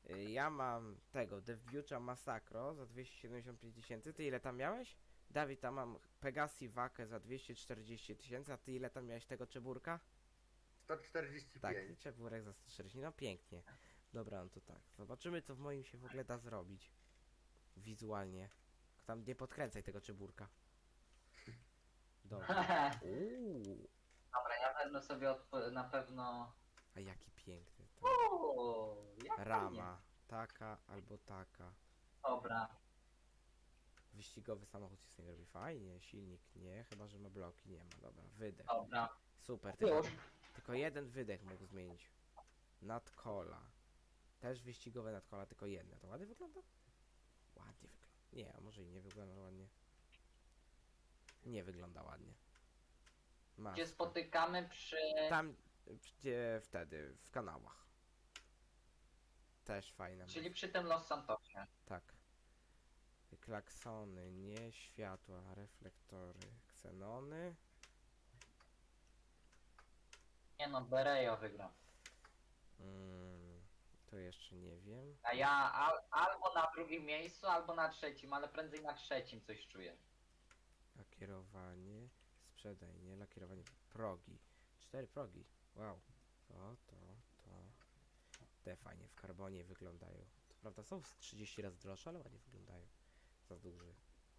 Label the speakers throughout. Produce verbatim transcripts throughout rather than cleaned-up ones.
Speaker 1: Y, Ja mam tego, Devbucha Massacro za dwieście siedemdziesiąt pięć tysięcy. Ty ile tam miałeś? Dawid, tam mam Pegasi Vakę za dwieście czterdzieści tysięcy, a ty ile tam miałeś tego czeburka?
Speaker 2: sto czterdzieści
Speaker 1: Tak,
Speaker 2: pięć.
Speaker 1: czeburek za sto czterdzieści, no pięknie. Dobra, no to tak. Zobaczymy, co w moim się w ogóle da zrobić. Wizualnie. Tam nie podkręcaj tego czeburka. Dobra. Uuu,
Speaker 3: Dobra, ja wezmę sobie odp- na pewno...
Speaker 1: a jaki piękny to.
Speaker 3: Uuu, jak fajnie.
Speaker 1: Rama. Taka albo taka.
Speaker 3: Dobra,
Speaker 1: Wyścigowy samochód się z nim robi fajnie, silnik nie, chyba że ma bloki, nie ma, dobra, wydech.
Speaker 3: dobra.
Speaker 1: Super, tylko,
Speaker 3: Już.
Speaker 1: tylko jeden wydech mógł zmienić. Nadkola. Też wyścigowe nadkola, tylko jedne. To ładnie wygląda? Ładnie wygląda. Nie, a może i nie wygląda ładnie. Nie wygląda ładnie. Masz.
Speaker 3: Gdzie spotykamy przy...
Speaker 1: Tam, gdzie wtedy, w kanałach. Też fajne.
Speaker 3: Czyli przy tym Los Santosie.
Speaker 1: Tak. Klaksony, nie światła, reflektory, ksenony.
Speaker 3: Nie no, Berejo wygra.
Speaker 1: Mm, to jeszcze nie wiem.
Speaker 3: A ja al albo na drugim miejscu, albo na trzecim, ale prędzej na trzecim coś czuję.
Speaker 1: Lakierowanie, sprzedaj, nie? Lakierowanie, progi. Cztery progi. Wow. To, to, to. Te fajnie w karbonie wyglądają. To prawda są z trzydzieści razy droższe, ale ładnie wyglądają. Za duży.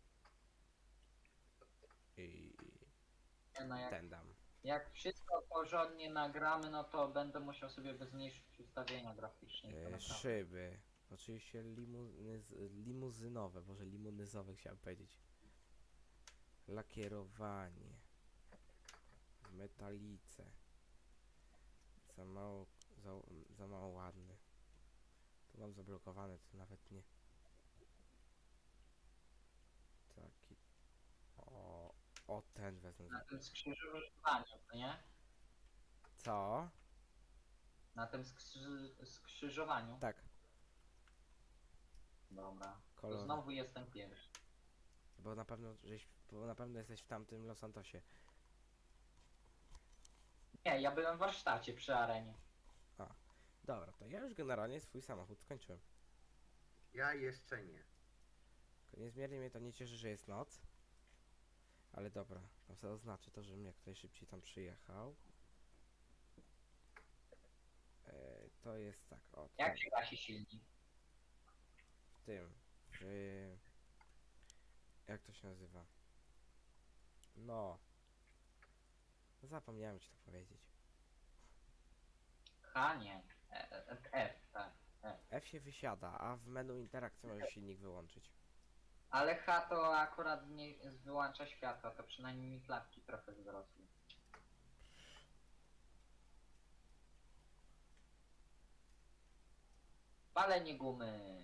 Speaker 1: I
Speaker 3: Nie no, jak,
Speaker 1: ten dam.
Speaker 3: jak wszystko porządnie nagramy, no to będę musiał sobie zmniejszyć ustawienia graficzne. i to
Speaker 1: E,
Speaker 3: naprawdę.
Speaker 1: szyby. Oczywiście limuzyz, limuzynowe, boże limuzynowe chciałem powiedzieć. Lakierowanie. W metalice. Za mało, za, za mało ładny. Tu mam zablokowane, to nawet nie. Taki. O, o ten wezmę.
Speaker 3: Na tym skrzyżowaniu, no nie?
Speaker 1: Co?
Speaker 3: Na tym skrzy skrzyżowaniu.
Speaker 1: Tak,
Speaker 3: Dobra. To
Speaker 1: kolor.
Speaker 3: znowu jestem pierwszy.
Speaker 1: Bo na pewno, żeś, bo na pewno jesteś w tamtym Los Santosie.
Speaker 3: Nie, ja byłem w warsztacie przy arenie.
Speaker 1: Dobra, to ja już generalnie swój samochód skończyłem.
Speaker 2: Ja jeszcze nie.
Speaker 1: Tylko niezmiernie mnie to nie cieszy, że jest noc. Ale dobra, tam sobie oznaczę to, żebym jak najszybciej tam przyjechał. E, to jest tak, o,
Speaker 3: Jak
Speaker 1: tutaj,
Speaker 3: się gasi silnik?
Speaker 1: w tym, w... Jak to się nazywa? No. Zapomniałem ci to powiedzieć.
Speaker 3: H nie. E, e, F, tak. F.
Speaker 1: F się wysiada, a w menu interakcji możesz silnik wyłączyć.
Speaker 3: Ale H to akurat nie wyłącza światła, to przynajmniej mi klapki trochę wzrosły. Palenie gumy.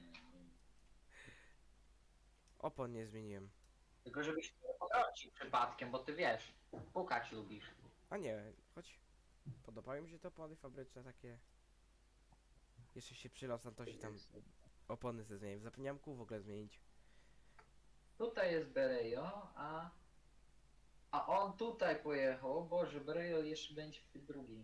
Speaker 1: Opon nie zmieniłem.
Speaker 3: Tylko żebyś nie potrącił przypadkiem, bo ty wiesz, pukać lubisz.
Speaker 1: A nie, choć podobały mi się te opony fabryczne takie. Jeszcze się przy Los Santosie tam opony ze zmieniłem. Zapomniałem kół w ogóle zmienić.
Speaker 3: Tutaj jest Berejo, a... A on tutaj pojechał. O Boże, Berejo jeszcze będzie w tej drugiej.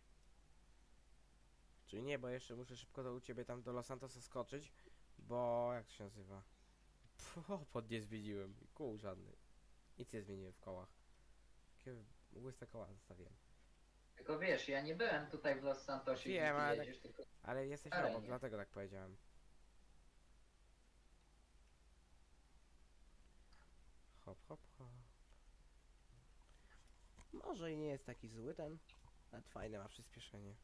Speaker 1: Czyli nie, bo jeszcze muszę szybko do u ciebie tam do Los Santosa skoczyć. Bo jak to się nazywa? Pff, opon nie zmieniłem. i Kół żadny. Nic nie zmieniłem w kołach. Takie łyste koła zostawiłem.
Speaker 3: Tylko wiesz, ja nie byłem tutaj w Los Santosie,
Speaker 1: Wiem,
Speaker 3: gdzie ty
Speaker 1: ale
Speaker 3: jedziesz, tylko...
Speaker 1: Ale jesteś
Speaker 3: Ale
Speaker 1: obok,
Speaker 3: nie.
Speaker 1: dlatego tak powiedziałem. Hop, hop, hop. Może i nie jest taki zły ten. Nawet fajne ma przyspieszenie.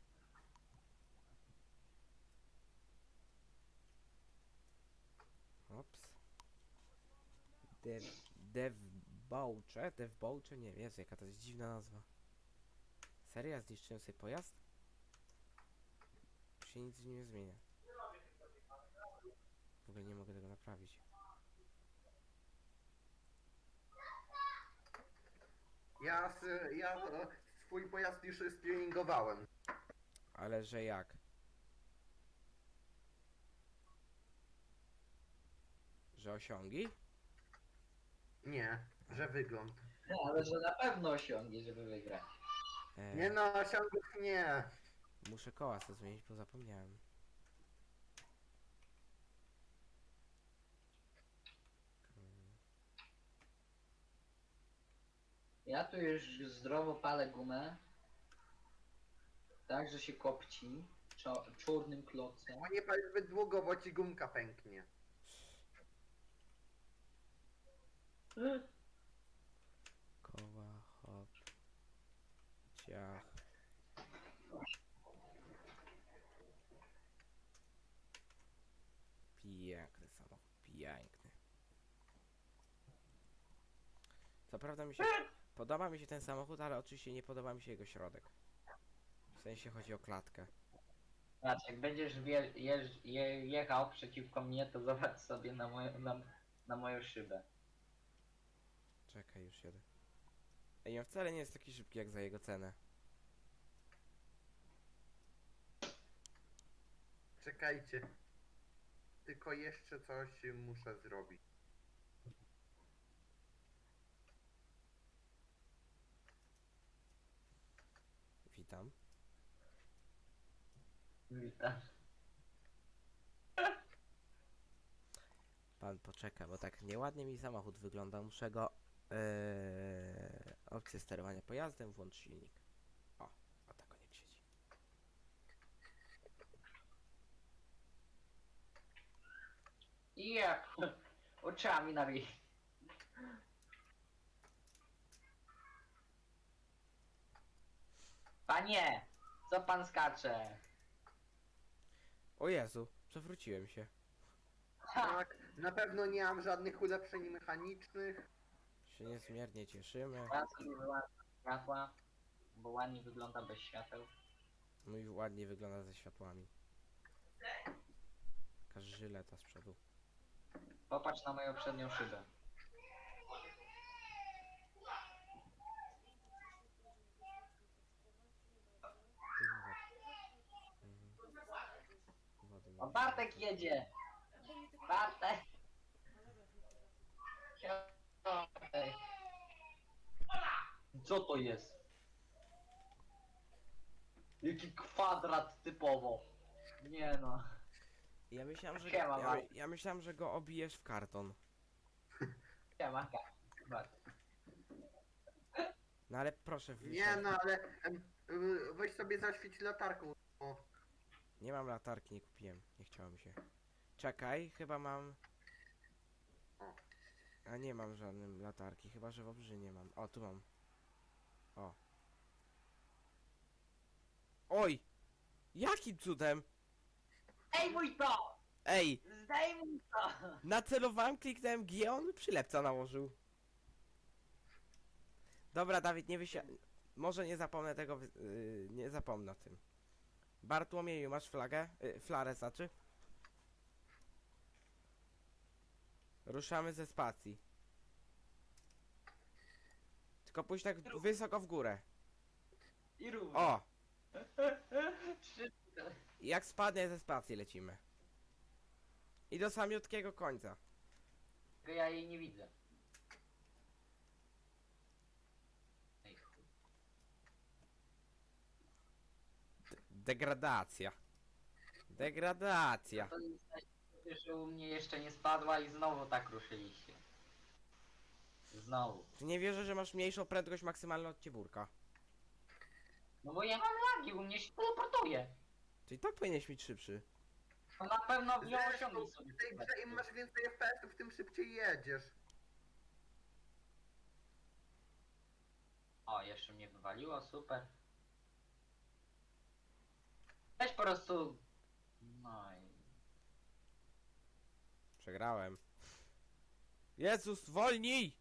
Speaker 1: Ops. Dev... Dev Boucze? Dev Boucze? Nie wiem, Jezu, jaka to jest dziwna nazwa. Seria zniszczyłem sobie pojazd? Się nic nie zmienia. W ogóle nie mogę tego naprawić.
Speaker 2: Ja, s- ja e, swój pojazd już streningowałem.
Speaker 1: Ale że jak? Że osiągi?
Speaker 2: Nie, że wygląd.
Speaker 3: No, ale że na pewno osiągnie, żeby wygrać.
Speaker 1: E,
Speaker 2: Nie no, osiągów nie.
Speaker 1: Muszę koła sobie zmienić, bo zapomniałem.
Speaker 3: Ja tu już zdrowo palę gumę. Tak, że się kopci. Czo czarnym klocem.
Speaker 2: A nie pal zbyt długo, bo ci gumka pęknie.
Speaker 1: Koła, hop. Ciach. Piękny samochód, piękny. Co prawda mi się... Podoba mi się ten samochód, ale oczywiście nie podoba mi się jego środek. W sensie chodzi o klatkę.
Speaker 3: Patrz, jak będziesz wje jeż je jechał przeciwko mnie, to zobacz sobie na, moją na, na moją szybę.
Speaker 1: Czekaj, już jedę. Ej, on wcale nie jest taki szybki jak za jego cenę.
Speaker 2: Czekajcie. Tylko jeszcze coś muszę zrobić.
Speaker 1: Witam.
Speaker 3: Witam.
Speaker 1: Pan poczeka, bo tak nieładnie mi samochód wygląda. Muszę go... Yy, opcję sterowania pojazdem, włącz silnik. O, o tak on jak siedzi.
Speaker 3: Jep. Oczami na ryj. Panie! Co pan skacze?
Speaker 1: O Jezu, przewróciłem się.
Speaker 2: Tak, na pewno nie mam żadnych ulepszeń mechanicznych.
Speaker 1: Się niezmiernie cieszymy.
Speaker 3: Ja sobie wyłączam światła, bo ładnie wygląda bez świateł.
Speaker 1: Mój ładnie wygląda ze światłami. Jaka żyleta z przodu.
Speaker 3: Popatrz na moją przednią szybę.
Speaker 1: Wody
Speaker 3: O,
Speaker 1: nie
Speaker 3: Bartek jedzie! Bartek! Ej. Co to jest? Jaki kwadrat typowo. Nie no.
Speaker 1: Ja myślałem, że
Speaker 3: Siema,
Speaker 1: ja,
Speaker 3: Bartek.
Speaker 1: ja myślałem, że go obijesz w karton.
Speaker 3: Siema. Bartek.
Speaker 1: No ale proszę
Speaker 2: Nie
Speaker 1: wysiąść.
Speaker 2: no, ale em, y, weź sobie zaświeć latarką. O,
Speaker 1: Nie mam latarki, nie kupiłem. Nie chciało mi się. Czekaj, chyba mam... A nie mam żadnej latarki, chyba że w obrzynie mam. O, tu mam. O. Oj! Jakim cudem?
Speaker 3: Ej mój to!
Speaker 1: Ej!
Speaker 3: Zdejmuj to!
Speaker 1: Nacelowałem, kliknąłem G, on przylepca nałożył. Dobra, Dawid, nie wysia... Może nie zapomnę tego, wy- yy, nie zapomnę o tym. Bartłomieju, masz flagę? Yy, flarę, znaczy? Ruszamy ze spacji. Tylko pójdź tak wysoko w górę.
Speaker 3: I równo.
Speaker 1: O!
Speaker 3: Trzy...
Speaker 1: Jak spadnie ze spacji lecimy. I do samiutkiego końca.
Speaker 3: Tylko ja jej nie widzę. Ej, chuj.
Speaker 1: Degradacja. Degradacja.
Speaker 3: To jest, że u mnie jeszcze nie spadła i znowu tak ruszyliście. Znowu.
Speaker 1: Ty nie wierzę, że masz mniejszą prędkość maksymalną od cieburka.
Speaker 3: No bo ja mam lagi, u mnie się teleportuje.
Speaker 1: Czyli tak powinieneś mieć szybszy.
Speaker 3: To na pewno nie
Speaker 2: Zresztą
Speaker 3: osiągnij sobie.
Speaker 2: w tej grze im masz więcej F P S-ów, tym szybciej jedziesz.
Speaker 3: O, jeszcze mnie wywaliło, super. Weź po prostu... No i...
Speaker 1: Przegrałem. Jezus, wolnij!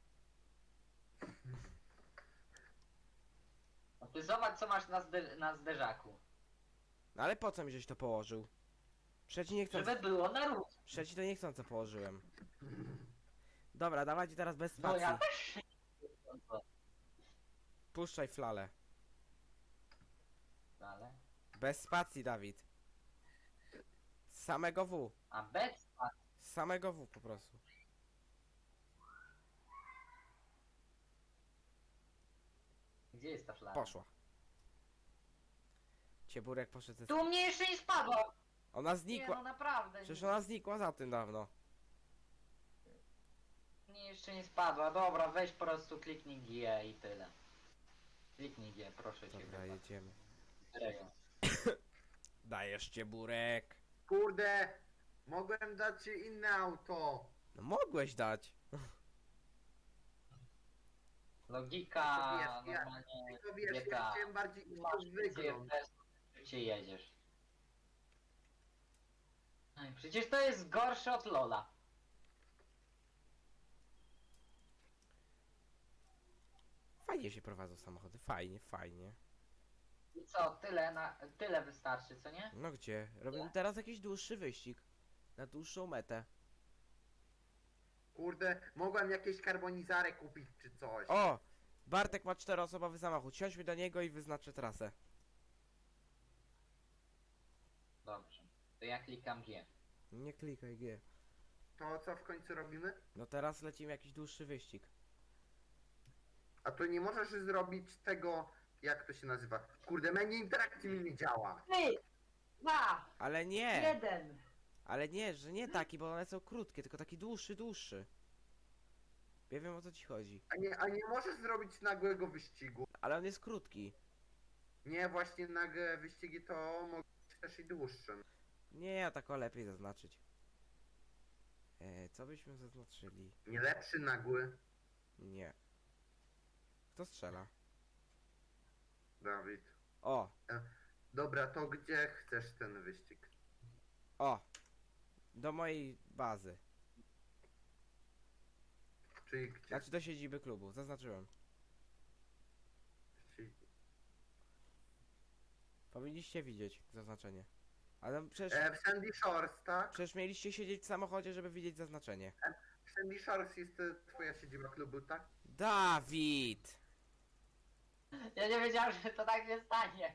Speaker 3: No ty zobacz co masz na, zde na zderzaku.
Speaker 1: No ale po co mi żeś to położył? Przeci nie chcąc...
Speaker 3: Żeby było na róż.
Speaker 1: Przeci to nie chcąco położyłem. Dobra, dawajcie teraz bez
Speaker 3: No
Speaker 1: spacji.
Speaker 3: ja też.
Speaker 1: Puszczaj flalę.
Speaker 3: Ale...
Speaker 1: Bez spacji, Dawid. Z samego W.
Speaker 3: A bez...
Speaker 1: Z samego W po prostu.
Speaker 3: Gdzie jest ta flara?
Speaker 1: Poszła. Cieburek poszedł ze...
Speaker 3: Tu mnie jeszcze nie spadło!
Speaker 1: Ona
Speaker 3: Nie
Speaker 1: znikła.
Speaker 3: no naprawdę.
Speaker 1: Przecież ona znikła za tym dawno.
Speaker 3: Nie, jeszcze nie spadła. Dobra, weź po prostu kliknij G i tyle. Kliknij G, proszę cię.
Speaker 1: Dobra, jedziemy.
Speaker 3: Serio.
Speaker 1: Dajesz cię burek.
Speaker 2: Kurde, mogłem dać ci inne auto.
Speaker 1: No mogłeś dać.
Speaker 3: Logika
Speaker 2: Tylko wiesz, ja-
Speaker 3: normalnie
Speaker 2: Tylko wiesz,
Speaker 3: G T A.
Speaker 2: ja chciałem bardziej
Speaker 3: Masz
Speaker 2: wygląd.
Speaker 3: gdzie jedziesz. Ej, przecież to jest gorsze od Lola.
Speaker 1: Fajnie się prowadzą samochody, fajnie, fajnie.
Speaker 3: I co, tyle na tyle wystarczy, co nie?
Speaker 1: No gdzie? Robimy teraz jakiś dłuższy wyścig. Na dłuższą metę.
Speaker 2: Kurde, mogłem jakieś karbonizary kupić czy coś.
Speaker 1: O! Bartek ma czteroosobowy samochód. Siądźmy do niego i wyznaczę trasę.
Speaker 3: Dobrze. To ja klikam G.
Speaker 1: Nie klikaj G.
Speaker 2: To co w końcu robimy?
Speaker 1: No teraz lecimy jakiś dłuższy wyścig.
Speaker 2: A to nie możesz zrobić tego, jak to się nazywa? Kurde, menu interakcji mi nie działa.
Speaker 3: Trzy, dwa,
Speaker 1: Ale nie!
Speaker 3: jeden.
Speaker 1: Ale nie, że nie taki, bo one są krótkie, tylko taki dłuższy, dłuższy. Ja wiem o co ci chodzi.
Speaker 2: A nie, a nie możesz zrobić nagłego wyścigu.
Speaker 1: Ale on jest krótki.
Speaker 2: Nie, właśnie nagłe wyścigi to mogą być też i dłuższe.
Speaker 1: Nie, ja tak o lepiej zaznaczyć. E, co byśmy zaznaczyli?
Speaker 2: Nie lepszy nagły,
Speaker 1: Nie. Kto strzela?
Speaker 2: Dawid.
Speaker 1: O!
Speaker 2: Dobra, to gdzie chcesz ten wyścig?
Speaker 1: O! Do mojej bazy.
Speaker 2: Czyli gdzie?
Speaker 1: Znaczy do siedziby klubu, zaznaczyłem.
Speaker 2: Czyli-
Speaker 1: Powinniście widzieć zaznaczenie. Ale przecież,
Speaker 2: E, w Sandy Shores, tak?
Speaker 1: przecież mieliście siedzieć w samochodzie, żeby widzieć zaznaczenie.
Speaker 2: W Sandy Shores jest e, twoja siedziba klubu, tak?
Speaker 1: Dawid!
Speaker 3: Ja nie wiedziałem, że to tak się stanie.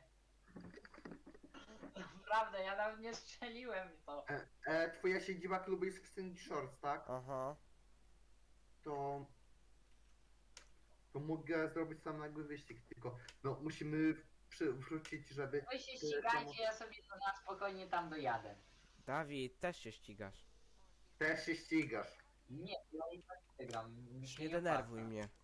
Speaker 3: Naprawdę, ja nawet nie strzeliłem w to.
Speaker 2: E, e, twoja siedziba klubu jest w Sandy Shores, tak?
Speaker 1: Aha.
Speaker 2: To... To mogę zrobić sam nagły wyścig, tylko no musimy przy, wrócić, żeby...
Speaker 3: Wy się ścigajcie, ja sobie to na spokojnie tam dojadę.
Speaker 1: Dawid, też się ścigasz.
Speaker 2: Też się ścigasz.
Speaker 3: Nie, ja i tak wygram. mi
Speaker 1: Już
Speaker 3: się
Speaker 1: nie denerwuj
Speaker 3: opłaca.
Speaker 1: mnie.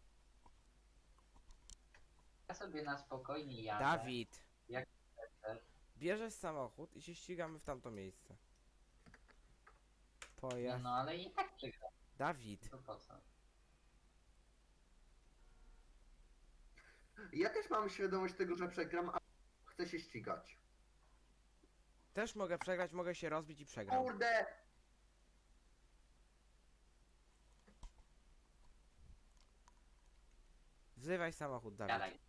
Speaker 3: Ja sobie na spokojnie jadę.
Speaker 1: Dawid!
Speaker 3: Jak chcesz.
Speaker 1: Bierzesz samochód i się ścigamy w tamto miejsce.
Speaker 3: Nie,
Speaker 1: Pojazd.
Speaker 3: no ale i tak przegram.
Speaker 1: Dawid!
Speaker 3: To po co?
Speaker 2: Ja też mam świadomość tego, że przegram, a chcę się ścigać.
Speaker 1: Też mogę przegrać, mogę się rozbić i przegram.
Speaker 2: Kurde!
Speaker 1: Wzywaj samochód, Dawid.
Speaker 3: Gadaj.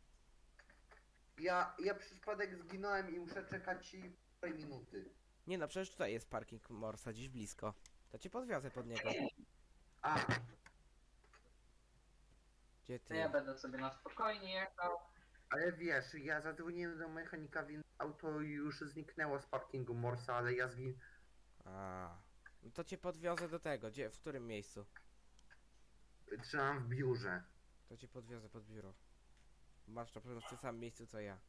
Speaker 2: Ja, ja przez przypadek zginąłem i muszę czekać i półtorej minuty.
Speaker 1: Nie no, przecież tutaj jest parking Morsa, dziś blisko. To cię podwiozę pod niego.
Speaker 2: A,
Speaker 1: Gdzie
Speaker 3: To
Speaker 1: ty?
Speaker 3: ja będę sobie na spokojnie jechał.
Speaker 2: ale wiesz, ja zadzwoniłem do mechanika, więc auto już zniknęło z parkingu Morsa, ale ja zgin...
Speaker 1: A, no to cię podwiozę do tego. Gdzie, w którym miejscu?
Speaker 2: Trzymam w biurze.
Speaker 1: To cię podwiozę pod biuro. Masz na pewno w tym samym miejscu co ja.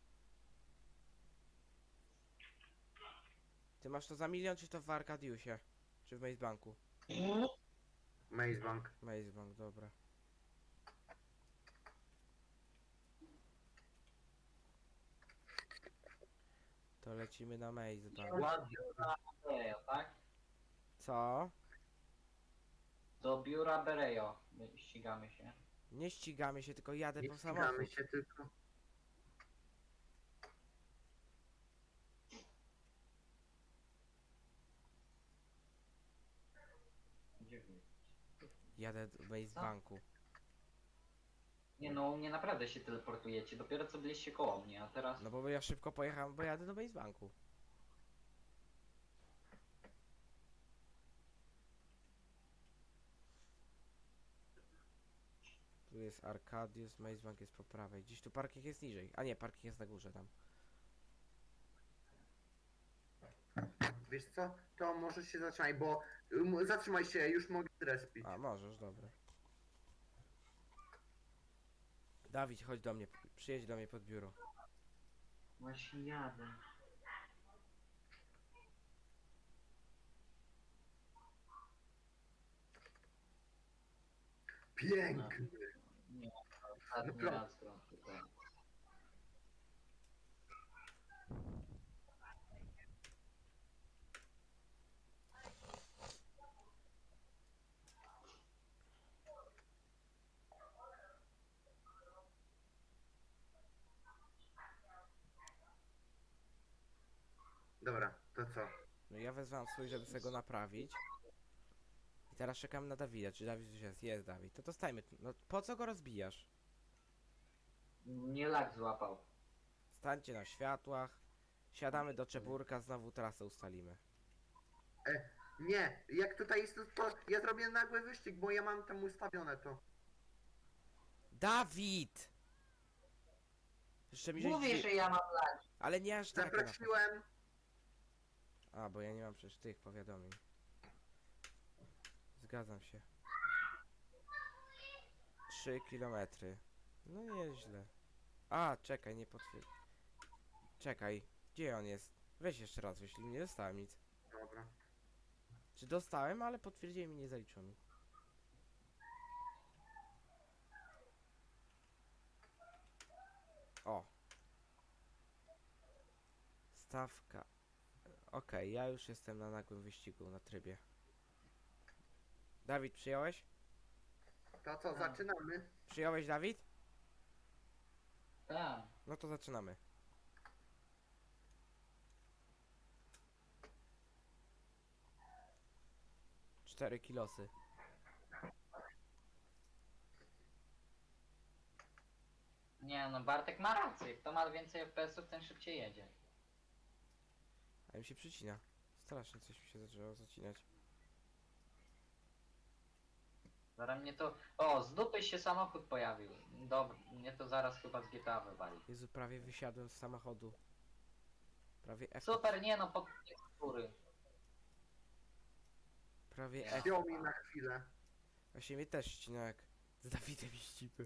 Speaker 1: Ty masz to za milion, czy to w Arkadiusie? Czy w Maze Banku?
Speaker 2: Maze Bank.
Speaker 1: Maze Bank, dobra. To lecimy na Maze Bank.
Speaker 2: Ładnie.
Speaker 3: Berejo, tak?
Speaker 1: Co?
Speaker 3: Do biura Berejo. My ścigamy się.
Speaker 1: Nie ścigamy się, tylko jadę
Speaker 2: Nie
Speaker 1: po
Speaker 2: ścigamy
Speaker 1: samochód.
Speaker 2: się tylko.
Speaker 3: Gdzie wy?
Speaker 1: Jadę do Maze
Speaker 3: Co?
Speaker 1: Banku.
Speaker 3: Nie no, u mnie naprawdę się teleportujecie. Dopiero co byliście koło mnie, a teraz...
Speaker 1: No bo ja szybko pojechałem, bo jadę do Maze Banku. Tu jest Arkadius, Maze Bank jest po prawej. Gdzieś tu parking jest niżej. A nie, parking jest na górze tam.
Speaker 2: Wiesz co? To może się zatrzymaj, bo... um, Zatrzymaj się, już mogę zrespić.
Speaker 1: A, możesz, dobra. Dawid, chodź do mnie, przyjedź do mnie pod biuro.
Speaker 3: Właśnie jadę.
Speaker 2: Piękny.
Speaker 3: Nie, ostatni
Speaker 2: Naprawdę.
Speaker 3: raz gram tutaj.
Speaker 2: Dobra, to co?
Speaker 1: No ja wezwałem swój, żeby sobie go naprawić. I teraz czekam na Dawida. Czy Dawid już jest? Jest Dawid. To dostajmy. No po co go rozbijasz?
Speaker 3: Nie lag złapał.
Speaker 1: Stańcie na światłach. Siadamy do Czeburka, znowu trasę ustalimy.
Speaker 2: Nie, jak tutaj jest to, to ja zrobię nagły wyścig, bo ja mam tam ustawione to.
Speaker 1: Dawid! Jeszcze mi żeś
Speaker 3: Mówię,
Speaker 1: drzwi-
Speaker 3: że ja mam lag.
Speaker 1: Ale nie aż takie na...
Speaker 2: Zaprosiłem.
Speaker 1: A, bo ja nie mam przecież tych powiadomień. Zgadzam się. Trzy kilometry. No nieźle. A, czekaj, nie potwierdź. Czekaj, gdzie on jest? Weź jeszcze raz, jeśli nie dostałem nic.
Speaker 2: Dobra.
Speaker 1: Czy dostałem, ale potwierdziłem i nie zaliczono mi. O. Stawka. Okej, ja już jestem na nagłym wyścigu, na trybie. Dawid, przyjąłeś?
Speaker 2: To co,
Speaker 3: Tak.
Speaker 2: zaczynamy?
Speaker 1: Przyjąłeś, Dawid?
Speaker 3: Tak.
Speaker 1: No to zaczynamy. Cztery kilosy.
Speaker 3: Nie no, Bartek ma rację. Kto ma więcej F P S-ów, ten szybciej jedzie.
Speaker 1: A mi się przycina. Strasznie coś mi się zaczęło zacinać.
Speaker 3: Zaraz mnie to... O, z dupy się samochód pojawił. Dobra, mnie to zaraz chyba z G T A wywali.
Speaker 1: Jezu, prawie wysiadłem z samochodu. Prawie F.
Speaker 3: Super, nie no, pod góry.
Speaker 1: Prawie F.
Speaker 2: Wziął mi na chwilę.
Speaker 1: Właśnie mnie też ścina jak z Dawidem i ścipy.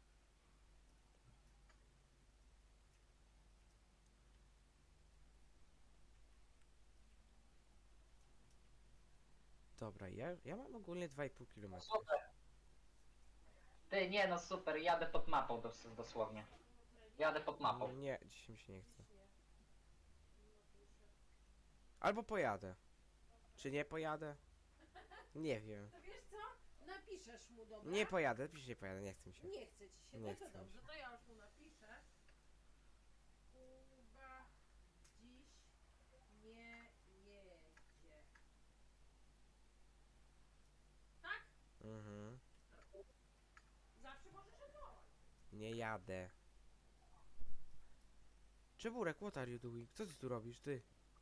Speaker 1: Dobra, ja, ja mam ogólnie dwa i pół kilometra.
Speaker 3: Super. Ty, nie no, super, jadę pod mapą dos dosłownie. Jadę pod mapą.
Speaker 1: Nie, dzisiaj mi się nie chce. Albo pojadę. Czy nie pojadę? Nie wiem.
Speaker 4: To wiesz co? Napiszesz mu, dobra?
Speaker 1: Nie pojadę, pisz nie pojadę, nie chce mi się.
Speaker 4: Nie chce ci się,
Speaker 1: Nie
Speaker 4: no
Speaker 1: chce
Speaker 4: to
Speaker 1: mi
Speaker 4: dobrze,
Speaker 1: się.
Speaker 4: to ja już mu napiszę. Kuba dziś nie jedzie. Tak?
Speaker 1: Mhm.
Speaker 4: Zawsze możesz odwołać.
Speaker 1: Nie jadę. Czeburek, what are you doing? Co ty tu robisz, ty?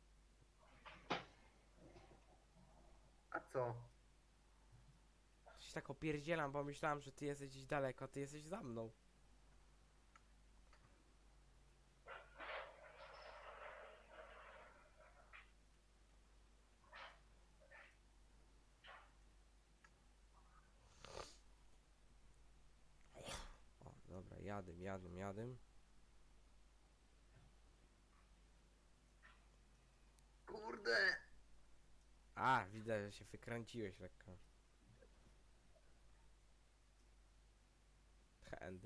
Speaker 2: A co?
Speaker 1: Coś tak opierdzielam, bo myślałem, że ty jesteś gdzieś daleko, a ty jesteś za mną. O, dobra, jadę, jadę, jadę.
Speaker 2: Kurde!
Speaker 1: A, widzę, że się wykręciłeś lekko. Hand.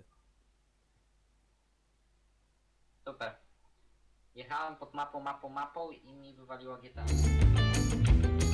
Speaker 3: Super. Jechałem pod mapą, mapą, mapą i mi wywaliło G T A.